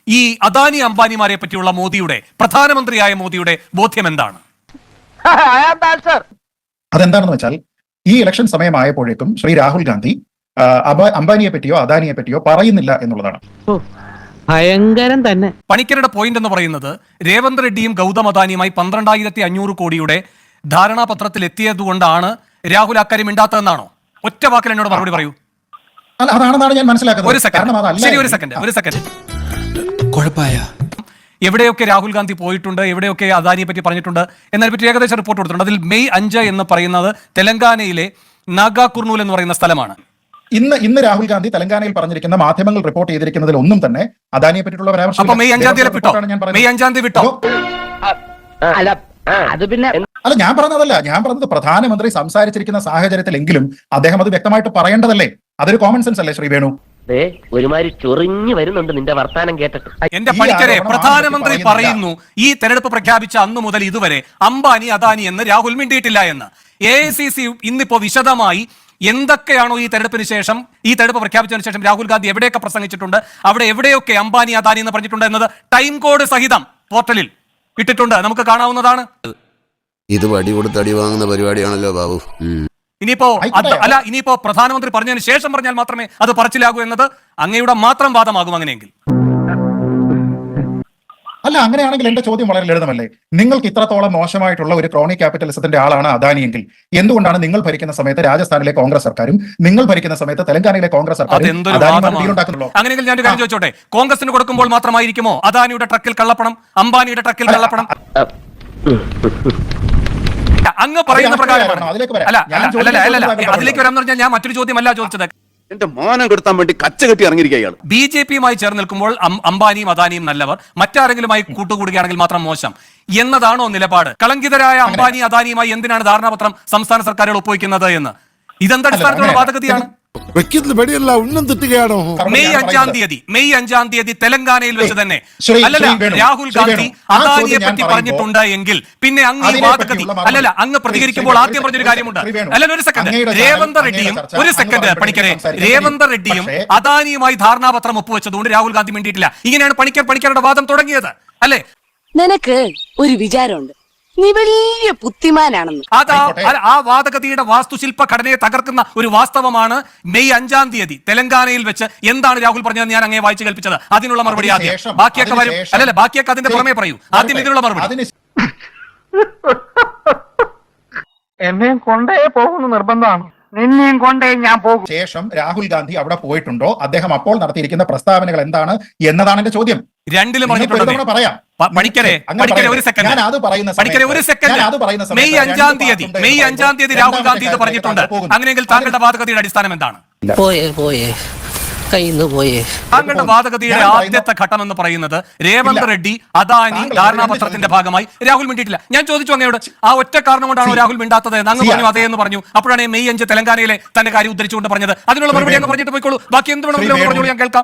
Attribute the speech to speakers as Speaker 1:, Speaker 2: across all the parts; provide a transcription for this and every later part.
Speaker 1: ഈ അദാനി അംബാനിമാരെ പറ്റിയുള്ള മോദിയുടെ, പ്രധാനമന്ത്രിയായ മോദിയുടെ ബോധ്യം എന്താണ്?
Speaker 2: അതെന്താണെന്ന് വെച്ചാൽ ഈ ഇലക്ഷൻ സമയമായപ്പോഴേക്കും ശ്രീ രാഹുൽ ഗാന്ധി അംബാനിയെ പറ്റിയോ അദാനിയെ പറ്റിയോ പറയുന്നില്ല എന്നുള്ളതാണ്.
Speaker 3: ഭയങ്കരം തന്നെ.
Speaker 1: പണിക്കരുടെ പോയിന്റ് എന്ന് പറയുന്നത് രേവന്ത് റെഡ്ഡിയും ഗൗതം അദാനിയുമായി 12,500 കോടിയുടെ ധാരണാപത്രത്തിൽ എത്തിയതുകൊണ്ടാണ് രാഹുൽ അക്കാര്യം മിണ്ടാത്തതെന്നാണോ? ഒറ്റ വാക്കിൽ എന്നോട് മറുപടി പറയൂ.
Speaker 2: അല്ല, അതാണെന്നാണ് ഞാൻ മനസ്സിലാക്കുന്നത്.
Speaker 1: ഒരു സെക്കൻഡ്. എവിടെയൊക്കെ രാഹുൽ ഗാന്ധി പോയിട്ടുണ്ട്, എവിടെയൊക്കെ അദാനിയെ പറ്റി പറഞ്ഞിട്ടുണ്ട് എന്നതിനെ പറ്റി ഏകദേശം റിപ്പോർട്ട് കൊടുത്തിട്ടുണ്ട്. അതിൽ മെയ് 5 എന്ന് പറയുന്നത് തെലങ്കാനയിലെ നാഗാ കുർണൂൽ എന്ന് പറയുന്ന സ്ഥലമാണ്.
Speaker 2: ഇന്ന് രാഹുൽ ഗാന്ധി തെലങ്കാനയിൽ പറഞ്ഞിരിക്കുന്ന മാധ്യമങ്ങൾ റിപ്പോർട്ട് ചെയ്തിരിക്കുന്നതിൽ ഒന്നും തന്നെ അദാനിയെ പറ്റിയിട്ടുള്ള പരാമർശം.
Speaker 1: അപ്പൊ മെയ് 5 തീയതി വിട്ടോ?
Speaker 2: അല്ല, ഞാൻ പറഞ്ഞതല്ല. ഞാൻ പറഞ്ഞത് പ്രധാനമന്ത്രി സംസാരിച്ചിരിക്കുന്ന സാഹചര്യത്തിലെങ്കിലും അദ്ദേഹം അത് വ്യക്തമായിട്ട് പറയേണ്ടതല്ലേ? അതൊരു കോമൺ സെൻസ് അല്ലേ ശ്രീ വേണു?
Speaker 4: ഒരുമാതിരി ചൊറിഞ്ഞു വരുന്നുണ്ട് നിന്റെ വർത്താനം കേട്ടിട്ട്.
Speaker 1: എന്റെ പണിക്കരെ, പ്രധാനമന്ത്രി പറയുന്നു ഈ തെരഞ്ഞെടുപ്പ് പ്രഖ്യാപിച്ച അന്നു മുതൽ ഇതുവരെ അംബാനി അദാനി എന്ന് രാഹുൽ മിണ്ടിയിട്ടില്ല എന്ന്. AICC ഇന്നിപ്പോ വിശദമായി എന്തൊക്കെയാണോ ഈ തെരഞ്ഞെടുപ്പിന് ശേഷം, ഈ തെരഞ്ഞെടുപ്പ് പ്രഖ്യാപിച്ചതിന് ശേഷം രാഹുൽ ഗാന്ധി എവിടെയൊക്കെ പ്രസംഗിച്ചിട്ടുണ്ട്, അവിടെ എവിടെയൊക്കെ അംബാനി അദാനി എന്ന് പറഞ്ഞിട്ടുണ്ട് എന്നത് ടൈം കോഡ് സഹിതം പോർട്ടലിൽ ഇട്ടിട്ടുണ്ട്. നമുക്ക് കാണാവുന്നതാണ്.
Speaker 5: ഇത് വടി കൊടുത്ത് അടി വാങ്ങുന്ന പരിപാടിയാണല്ലോ ബാബു.
Speaker 1: ഇനിയിപ്പോ പ്രധാനമന്ത്രി പറഞ്ഞതിന് ശേഷം പറഞ്ഞാൽ മാത്രമേ അത് പറച്ചിലാകൂ എന്നത് അങ്ങയുടെ മാത്രം വാദമാകും അങ്ങനെയെങ്കിൽ.
Speaker 2: അല്ല, അങ്ങനെയാണെങ്കിൽ എന്റെ ചോദ്യം വളരെ ലളിതമല്ലേ? നിങ്ങൾക്ക് ഇത്രത്തോളം മോശമായിട്ടുള്ള ഒരു ക്രോണിക് ക്യാപിറ്റലിസത്തിന്റെ ആളാണ് അദാനിയെങ്കിൽ എന്തുകൊണ്ടാണ് നിങ്ങൾ ഭരിക്കുന്ന സമയത്ത് രാജസ്ഥാനിലെ കോൺഗ്രസ് സർക്കാരും നിങ്ങൾ ഭരിക്കുന്ന സമയത്ത് തെലങ്കാനയിലെ കോൺഗ്രസ് സർക്കാരും
Speaker 1: അങ്ങനെയെങ്കിൽ ഞാൻ കാര്യം ചോദിച്ചോട്ടെ, കോൺഗ്രസിന് കൊടുക്കുമ്പോൾ മാത്രമായിരിക്കുമോ അദാനിയുടെ ട്രക്കിൽ കള്ളപ്പണം, അംബാനിയുടെ ട്രക്കിൽ കള്ളപ്പണം? അങ്ങ് പറയുന്ന പ്രകാരമാണ്. അതിലേക്ക് വരാമെന്ന് പറഞ്ഞാൽ ഞാൻ മറ്റൊരു ചോദ്യമല്ല ചോദിച്ചത്.
Speaker 5: എന്റെ മാനം കെടുത്താൻ വേണ്ടി കച്ചകെട്ടി ഇറങ്ങിയിരിക്കുകയാണ്.
Speaker 1: BJPയുമായി ചേർന്ന് നിൽക്കുമ്പോൾ അംബാനിയും അദാനിയും നല്ലവർ, മറ്റാരെങ്കിലുമായി കൂട്ടുകൂടുകയാണെങ്കിൽ മാത്രം മോശം എന്നതാണോ നിലപാട്? കളങ്കിതരായ അംബാനി അദാനിയുമായി എന്തിനാണ് ധാരണാപത്രം സംസ്ഥാന സർക്കാരുകൾ ഒപ്പുവയ്ക്കുന്നത് എന്ന്? ഇതെന്തടിസ്ഥാനത്തിലുള്ള വാദഗതിയാണ്? മെയ് 5 തീയതി തെലങ്കാനയിൽ വെച്ച് തന്നെ രാഹുൽ ഗാന്ധി അദാനിയെ പറ്റി പറഞ്ഞിട്ടുണ്ട് എങ്കിൽ പിന്നെ അങ്ങ് ഈ വാദഗതി അങ്ങ് പ്രതികരിക്കുമ്പോൾ ആദ്യം പറഞ്ഞൊരു കാര്യമുണ്ട്. ഒരു സെക്കൻഡ്, പണിക്കരെ, രേവന്ത് റെഡ്ഡിയും അദാനിയുമായി ധാരണാപത്രം ഒപ്പുവെച്ചതുകൊണ്ട് രാഹുൽ ഗാന്ധി മിണ്ടിയിട്ടില്ല. ഇങ്ങനെയാണ് പണിക്കരുടെ വാദം തുടങ്ങിയത് അല്ലെ?
Speaker 6: നിനക്ക് ഒരു വിചാരമുണ്ട്, നീ വലിയ ബുദ്ധിമാനാണെന്ന്.
Speaker 1: ആ വാദഗതിയുടെ വാസ്തുശില്പ ഘടനയെ തകർക്കുന്ന ഒരു വാസ്തവമാണ് മെയ് 5 തീയതി തെലങ്കാനയിൽ വെച്ച് എന്താണ് രാഹുൽ പറഞ്ഞത് ഞാൻ അങ്ങേ വായിച്ചു കേൾപ്പിച്ചത്. അതിനുള്ള മറുപടി ആദ്യം, ബാക്കിയൊക്കെ വരും. ബാക്കിയൊക്കെ അതിന്റെ പുറമേ പറയൂ. ആദ്യം ഇതിനുള്ള മറുപടി.
Speaker 3: എന്നെയും കൊണ്ടേ പോകുന്ന നിർബന്ധമാണ്, നിന്നെയും കൊണ്ടേ ഞാൻ പോകും.
Speaker 2: ശേഷം രാഹുൽ ഗാന്ധി അവിടെ പോയിട്ടുണ്ടോ, അദ്ദേഹം അപ്പോൾ നടത്തിയിരിക്കുന്ന പ്രസ്താവനകൾ എന്താണ് എന്നതാണ് എന്റെ ചോദ്യം.
Speaker 1: രണ്ടിലും പറയാം. മെയ് 5 തീയതി രാഹുൽ ഗാന്ധി ഇത് പറഞ്ഞിട്ടുണ്ട്. അങ്ങനെയെങ്കിൽ താങ്കളുടെ വാദഗതിയുടെ അടിസ്ഥാനം എന്താണ്? താങ്കളുടെ വാദഗതിയുടെ ആദ്യത്തെ ഘട്ടം എന്ന് പറയുന്നത് രേവന്ത് റെഡ്ഡി അദാനി ധാരണാപത്രത്തിന്റെ ഭാഗമായി രാഹുൽ മിണ്ടിയിട്ടില്ല. ഞാൻ ചോദിച്ചു അങ്ങയോട്, ആ ഒറ്റ കാരണം കൊണ്ടാണോ രാഹുൽ മിണ്ടാത്തത്? അങ്ങ് പറഞ്ഞു അതേ എന്ന് പറഞ്ഞു. അപ്പോഴാണ് മെയ് 5 തെലങ്കാനയിലെ തന്റെ കാര്യം ഉദ്ധരിച്ചുകൊണ്ട് പറഞ്ഞത്. അതിനുള്ള മറുപടി അങ്ങ് പറഞ്ഞിട്ട് പോയിക്കോളൂ. ബാക്കി എന്ത് വേണമെങ്കിലും പറഞ്ഞോളൂ, ഞാൻ കേൾക്കാം.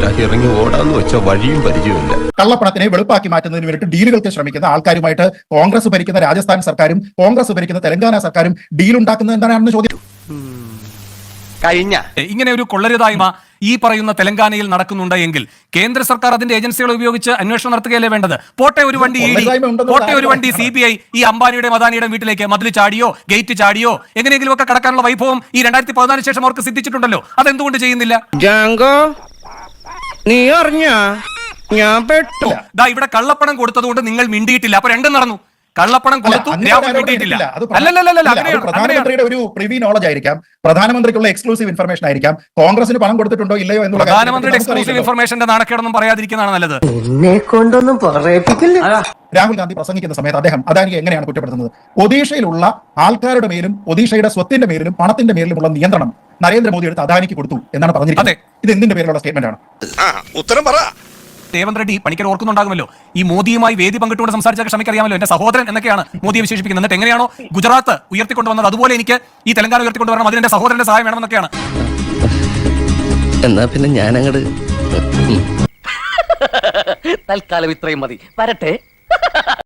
Speaker 2: കള്ളപ്പണത്തിനെ വെളുപ്പാക്കി മാറ്റുന്നതിന് വേണ്ടിയിട്ട് ഡീലുകൾക്ക് ശ്രമിക്കുന്ന ആൾക്കാരുമായിട്ട് കോൺഗ്രസ് ഭരിക്കുന്ന രാജസ്ഥാൻ സർക്കാരും കോൺഗ്രസ് ഭരിക്കുന്ന തെലങ്കാന സർക്കാരും ഡീൽ ഉണ്ടാക്കുന്നത് എന്താണെന്ന് ചോദ്യം.
Speaker 1: ഇങ്ങനെ ഒരു കൊള്ളരുതായ്മ ഈ പറയുന്ന തെലങ്കാനയിൽ നടക്കുന്നുണ്ട് എങ്കിൽ കേന്ദ്ര സർക്കാർ അതിന്റെ ഏജൻസികളെ ഉപയോഗിച്ച് അന്വേഷണം നടത്തുകയല്ലേ വേണ്ടത്? പോട്ടെ ഒരു വണ്ടി ED, പോട്ടെ ഒരു വണ്ടി CBI ഈ അംബാനിയുടെ അദാനിയുടെ വീട്ടിലേക്ക് മതിൽ ചാടിയോ ഗേറ്റ് ചാടിയോ എങ്ങനെയെങ്കിലും ഒക്കെ കടക്കാനുള്ള വൈഭവം ഈ 2014 ശേഷം അവർക്ക് സിദ്ധിച്ചിട്ടുണ്ടല്ലോ. അതെന്തുകൊണ്ട് ചെയ്യുന്നില്ല? ഇവിടെ കള്ളപ്പണം കൊടുത്തതുകൊണ്ട് നിങ്ങൾ മിണ്ടിയിട്ടില്ല. അപ്പൊ രണ്ടും നടന്നു. കള്ളപ്പണം കൊടുത്തു,
Speaker 2: പ്രധാനമന്ത്രിയുടെ ഒരു പ്രിവി നോളജ് ആയിരിക്കാം, പ്രധാനമന്ത്രിക്കുള്ള എക്സ്ക്ലൂസീവ് ഇൻഫർമേഷൻ ആയിരിക്കാം. കോൺഗ്രസിന് പണം കൊടുത്തിട്ടുണ്ടോ ഇല്ലയോ എന്നുള്ള
Speaker 1: പ്രധാനമന്ത്രിയുടെ എക്സ്ക്ലൂസീവ് ഇൻഫർമേഷന്റെ നാണക്കേടൊന്നും പറയാതിരിക്കുന്നതാണ് നല്ലത്.
Speaker 2: രാഹുൽ ഗാന്ധി പ്രസംഗിക്കുന്ന സമയത്ത് അദ്ദേഹം അദാനിയെ എങ്ങനെയാണ് കുറ്റപ്പെടുത്തുന്നത്? ഒഡീഷയിലുള്ള ആൾക്കാരുടെ മേലും ഒഡീഷയുടെ സ്വത്തിന്റെ മേലും പണത്തിന്റെ മേലുമുള്ള നിയന്ത്രണം നരേന്ദ്രമോദി എടുത്ത് അദാനിക്ക് കൊടുത്തു എന്നാണ് പറഞ്ഞിരിക്കുന്നത്. ഇത് എന്തിന്റെ പേരിലുള്ള സ്റ്റേറ്റ്മെന്റ് ആണ്?
Speaker 5: ഉത്തരം പറ.
Speaker 1: രേവന്ത് റെഡ്ഡി പണിക്കർ ഓർക്കുന്നുണ്ടാകുമല്ലോ, ഈ മോദിയുമായി വേദി പങ്കിട്ടുകൊണ്ട് സംസാരിച്ച ക്ഷമിക്കറിയാമല്ലോ, എന്റെ സഹോദരൻ എന്നൊക്കെയാണ് മോദിയെ വിശേഷിപ്പിക്കുന്നത്. എന്നിട്ട് എങ്ങനെയാണോ ഗുജറാത്ത് ഉയർത്തിക്കൊണ്ടുവന്നത് അതുപോലെ എനിക്ക് ഈ തെലങ്കാന ഉയർത്തിക്കൊണ്ടുവരണം, അതിന് എന്റെ സഹോദരന്റെ സഹായം വേണമെന്നൊക്കെയാണ്.
Speaker 4: എന്നാ പിന്നെ ഞാനങ്ങട് തൽക്കാലം ഇത്രയും മതി, വരട്ടെ.